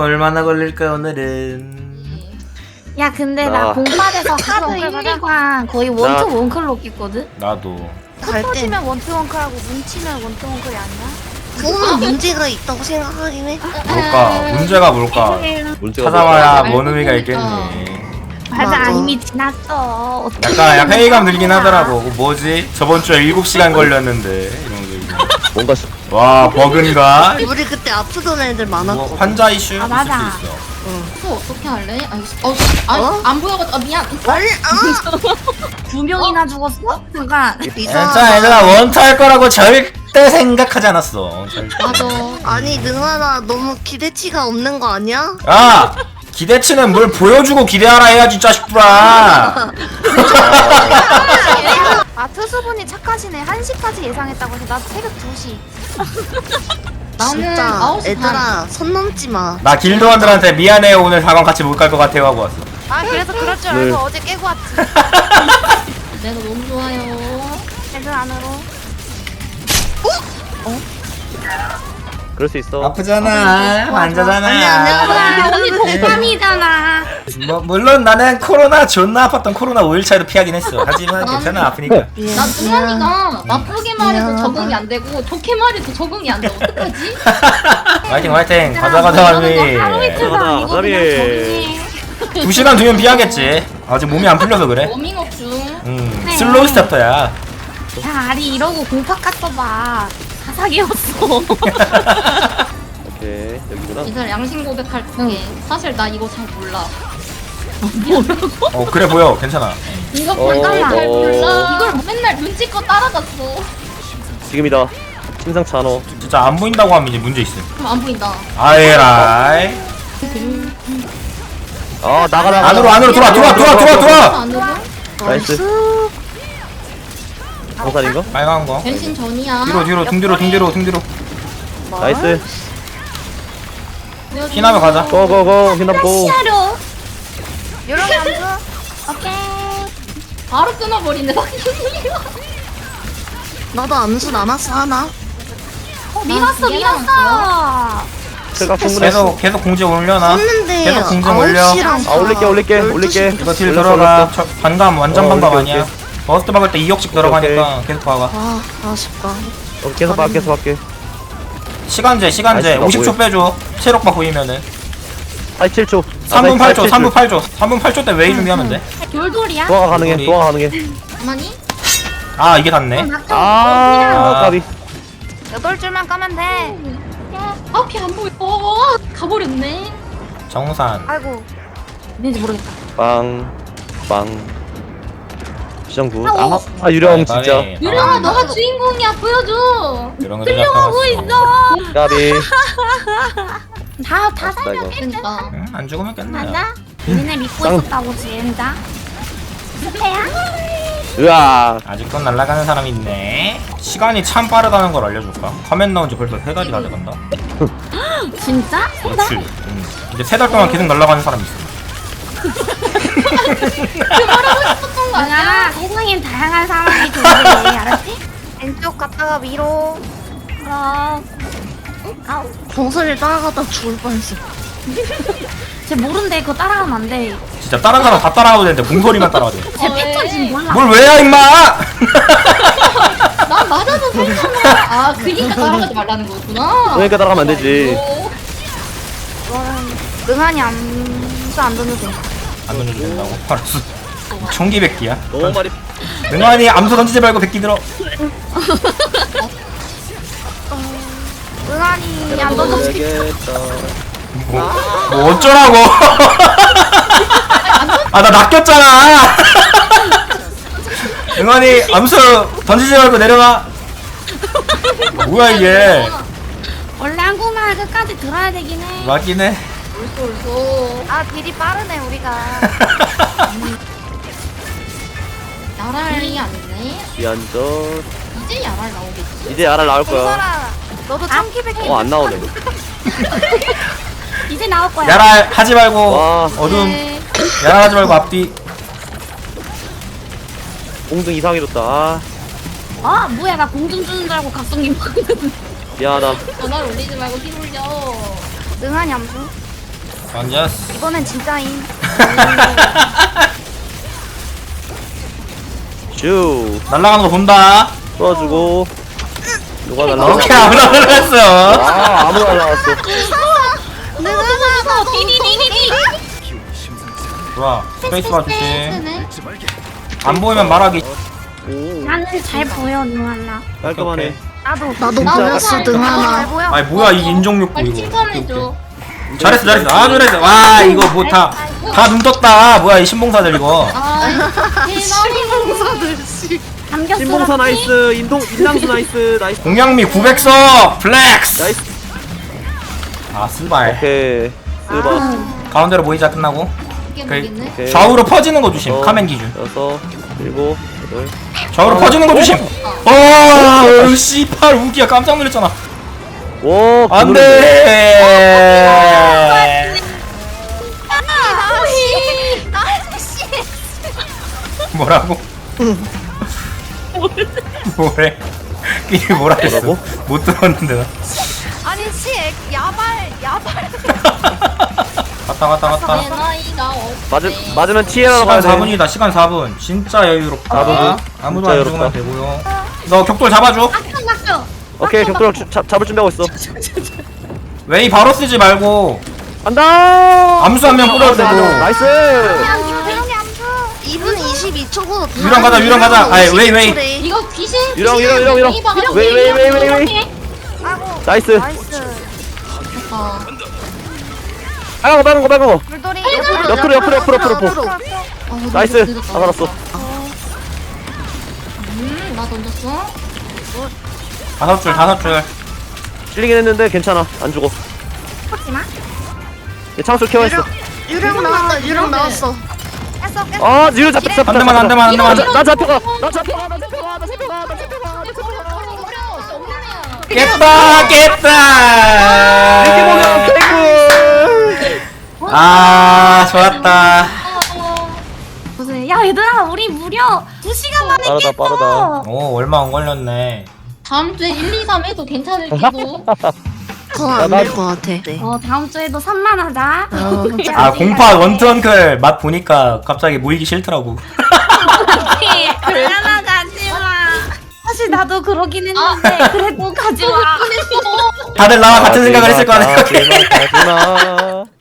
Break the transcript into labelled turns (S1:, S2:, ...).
S1: 얼마나 걸릴까 오늘은.
S2: 야 근데 나 공pad에서 하드 1, 2관 거의 원투 원클럭 있거든?
S1: 나도.
S2: 흩어지면 원투 원클하고 뭉치면 원투 원클이 아니야?
S3: 그거는 문제가 있다고 생각하긴 해.
S1: 뭘까? 문제가 뭘까? 찾아봐야 뭔 의미가 있겠니.
S2: 맞아 이미 지났어.
S1: 약간 회의감 들긴 하더라고. 뭐지? 저번 주에 7시간 걸렸는데 이런 거.
S4: 뭔가
S1: 와 버그인가?
S3: 우리 그때 아프던 애들
S1: 뭐
S3: 많았거든.
S1: 환자 이슈 있을
S2: 맞아.
S1: 수 있어.
S5: 또 어떻게 할래? 안 보여가지고 미안.
S3: 아니,
S2: 2명이나 죽었어? 잠깐.
S1: 진짜 얘들아 원투 할 거라고 절대 생각하지 않았어. 절대.
S5: 맞아.
S3: 아니 능아나 너무 기대치가 없는 거 아니야?
S1: 야! 기대치는 뭘 보여주고 기대하라 해야지 짜식부라.
S2: 아 투수분이 착하시네. 1시까지 예상했다고 해서 나 새벽 2시.
S5: 나는
S3: 진짜
S5: 9시
S3: 애들아 선 넘지 마.
S1: 나 길드원들한테 미안해요 오늘 4강 같이 못 갈 것 같아요 하고 왔어.
S2: 아 그래서 그럴 줄 알고
S4: 네.
S2: 어제 깨고 왔지.
S5: 내가 너무 좋아요.
S2: 애들 안으로.
S4: 그럴 수 있어.
S1: 아프잖아. 환자잖아.
S2: 와 언니 동감이잖아.
S1: 뭐 물론 나는 코로나 존나 아팠던 코로나 5일차에도 피하긴 했어. 하지만 괜찮아 아프니까.
S5: 나 승환이가 나쁘게 말해도 적응이 안 되고 좋게 말해도 적응이 안 돼. 어떡하지?
S1: 화이팅 화이팅. 가자 가자 할미.
S2: 하루 이틀 다
S4: 가자,
S2: 이거
S4: 가자미.
S2: 그냥 적응해.
S1: 2시간 뒤면 피하겠지. 아직 몸이 안 풀려서 그래.
S5: 워밍업 중.
S1: 슬로우 스타터야.
S2: 야 아리 이러고 공팍 갔어봐. 사사기였어.
S4: 오케이 여기구나.
S5: 이들 양심 고백할게. 사실 나 이거 잘 몰라.
S1: 그래 보여. 괜찮아.
S5: 이거
S4: 어,
S5: 잘
S4: 어.
S5: 몰라. 이걸 맨날 눈치껏 따라갔어.
S4: 지금이다. 심상치 않어.
S1: 진짜 안 보인다고 하면 이제 문제 있음.
S5: 그럼 안 보인다.
S1: 아에라이.
S4: 아 나가.
S1: 안으로 들어와.
S5: 안으로?
S4: 나이스. 강산인가?
S1: 빨간 거.
S5: 변신 전이야.
S1: 뒤로 등 뒤로.
S4: 나이스.
S1: 피나면 가자.
S4: 고고고 피나고.
S2: 시야로. 요렇게 안 줘. 오케이.
S5: 바로 끊어버리네.
S3: 나도 암수 남았어 하나.
S2: 밀었어.
S4: 제가 충분해.
S1: 계속 공지 올려놔.
S3: 했는데
S1: 계속 공정 올려.
S3: 9시랑
S4: 아 올릴게.
S1: 이거 딜
S4: 올렸어,
S1: 들어가.
S4: 올렸어.
S1: 반감 완전
S4: 어,
S1: 반감
S4: 오케이,
S1: 아니야. 버스트 박을 때 2억씩 들어가니까 계속 박아.
S3: 아 아쉽다.
S4: 계속 할게.
S1: 시간제
S4: 아이씨가
S1: 50초 빼줘. 체력바 보이면은
S4: 87초.
S1: 3분 8초 3분 8초 때 웨이 준비하면 돼.
S2: 돌돌이야?
S4: 도화가 가능해.
S5: 가만히?
S1: 아 이게 닿네.
S4: 아 까비.
S2: 8줄만 까면 돼.
S5: 앞이 안 보여. 가버렸네.
S1: 정산.
S2: 아이고. 있는지 모르겠다.
S4: 빵. 시정구. 아 유령 진짜.
S5: 유령아 너가 주인공이야. 보여줘.
S1: 이런 거
S2: 끌려가고 있어.
S4: 까비.
S2: 다
S4: 나
S2: 살면
S4: 이거.
S5: 그러니까.
S1: 안 죽으면 끝나요.
S2: 맞아? 니네 믿고
S4: 쌍.
S2: 있었다고 지은다. 스페야?
S4: 으아.
S1: 아직도 날아가는 사람이 있네. 시간이 참 빠르다는 걸 알려줄까? 화면 나온 지 벌써 3달이 다 돼간다.
S2: 진짜?
S1: 그렇지. 이제 3달 동안 계속 날아가는 사람이 있어.
S5: 했던 거 아니야?
S2: 야 세상엔 다양한 사람이 존재해. 알았지? 왼쪽 갔다가 위로. 그럼. 아우.
S3: 정선이 따라가다 죽을 뻔했어.
S2: 쟤 모른대. 그거 따라가면 안 돼.
S1: 진짜 다른 사람 다 따라가도 되는데 공소리만 따라가도 돼.
S2: 쟤 패턴지 몰라.
S1: 뭘 왜야 임마!
S5: 난 맞아서 살잖아. 아 그니까 따라가지 말라는 거구나.
S4: 그러니까 따라가면 안 되지.
S2: 이거는 능한이 암수 안 던져도 돼.
S1: 안 던져도 된다고? 알았어. 총기 100기야.
S4: 너무 많이.
S1: 능환이 암수 던지지 말고 100기 들어.
S2: 능한이 안 던져도 돼.
S4: 되겠다.
S1: 뭐 어쩌라고? 아 나 낚였잖아. 능환이 암수 던지지 말고 내려가. 뭐야 이게?
S2: 원래 한국말 끝까지 들어야 되긴 해.
S1: 맞긴 해.
S5: 옳소.
S2: 아 딜이 빠르네 우리가.
S5: 야랄이 아니네.
S4: 미안전.
S5: 이제 야랄 나오겠지.
S4: 이제 알아 나올 거야.
S2: 동설아 너도 참기백기.
S4: 안 나오네.
S2: 이제 나올 거야.
S1: 야랄 하지 말고
S4: 와.
S1: 어둠.
S5: 네.
S1: 야랄 하지 말고 앞뒤.
S4: 공등 이상해졌다. 아
S2: 아 뭐야 나 공중 주는 줄 알고 각성기 먹었는데.
S4: 미안하다.
S5: 전화를 올리지 말고 피 올려.
S2: 능한이 암수.
S1: 던졌어.
S2: 이번엔 진짜임.
S4: 슈
S1: 날아가는 거 본다.
S4: 쏘아주고 누가 날라갔어?
S1: 오케이 아무나 날아갔어.
S4: 아 아무나 날라갔어.
S5: 무서워 비비비비비.
S1: 좋아. 스페이스바 조심.
S5: 네.
S1: 안 보이면 말하기.
S4: 오
S2: 나는 잘 보여 누하나.
S4: 깔끔하네.
S2: 나도
S3: 나도
S4: 진짜
S3: 보였어
S2: 잘
S3: 능하나.
S2: 보여.
S1: 아니 뭐야 이 인종욕구
S5: 빨리
S1: 이거.
S5: 칭찬해줘.
S1: 잘했어 잘했어. 아 잘했어. 와 이거 뭐 다 눈 떴다. 뭐야 이 신봉사들 이거.
S5: 아 대단해.
S3: 공사들 씨.
S2: 감겼어.
S4: 신봉사 나이스. 인당수 나이스. 나이스.
S1: 공양미 900석 플렉스.
S4: 나이스.
S1: 아 스발.
S4: 오케이. 스바.
S1: 가운데로 모이자 끝나고.
S5: 이게 모르겠네.
S4: 오케이.
S1: 좌우로 퍼지는 거 조심.
S4: 어,
S1: 카멘 기준.
S4: 6, 7, 8.
S1: 좌우로 퍼지는 거 조심. 씨팔 우기야 깜짝 놀랐잖아.
S4: 오
S1: 안돼. 뭐라고? 뭐래? 끼리 뭐라 했어?
S4: 뭐라고?
S1: 못 들었는데 나.
S2: 아니 씨 야발.
S1: 갔다.
S5: 내 나이가 어때?
S4: 맞으면 TL로
S1: 시간
S4: 가야 돼.
S1: 4분이다. 시간 4분. 진짜 여유롭다.
S4: 나도
S1: 아무도
S4: 진짜
S1: 안 죽으면
S4: 여유롭다.
S1: 되고요. 너 격돌 잡아줘.
S4: 오케이 격돌 잡을 준비하고 있어.
S1: 웨이 바로 쓰지 말고
S4: 간다.
S1: 암수 한 명 뿌려도 되고.
S4: 나이스.
S2: 조용히 안 줘.
S3: 2분 22초고.
S1: 유령 가자. 아이 웨이.
S5: 이거 귀신.
S4: 유령.
S5: 귀신.
S4: 웨이.
S2: 아고.
S4: 나이스.
S2: 나이스.
S5: 어.
S4: 빨간 거.
S2: 물돌이.
S4: 옆으로. 나이스. 다 살았어.
S5: 나 던졌어.
S1: 다섯 줄.
S4: 찔리긴 했는데 괜찮아. 안 죽어.
S2: 하지 마.
S4: 얘 창술 케어했어.
S3: 유령 나왔다. 유령 나왔어.
S2: 깼어.
S4: 아 유령 잡혔어.
S1: 안 되면.
S4: 나 잡혀가.
S1: 깼다.
S4: 이렇게 보면 개꿀.
S1: 아 좋았다.
S2: 무슨 야 얘들아 우리 무려 2시간 만에
S4: 빠르다,
S2: 깼어.
S4: 빠르다.
S1: 오 얼마 안 걸렸네.
S5: 다음 주에 1, 2, 3 해도 괜찮을지도.
S3: 더안될것 같아.
S2: 다음 주에도 3만 하자.
S1: 아 공파 원투원클 맛 보니까 갑자기 모이기 싫더라고.
S2: 그러나 가지마. 사실 나도 그러긴 했는데 그래도 가지마.
S1: 다들 나와 같은 생각을 했을 거야.
S4: 가지마.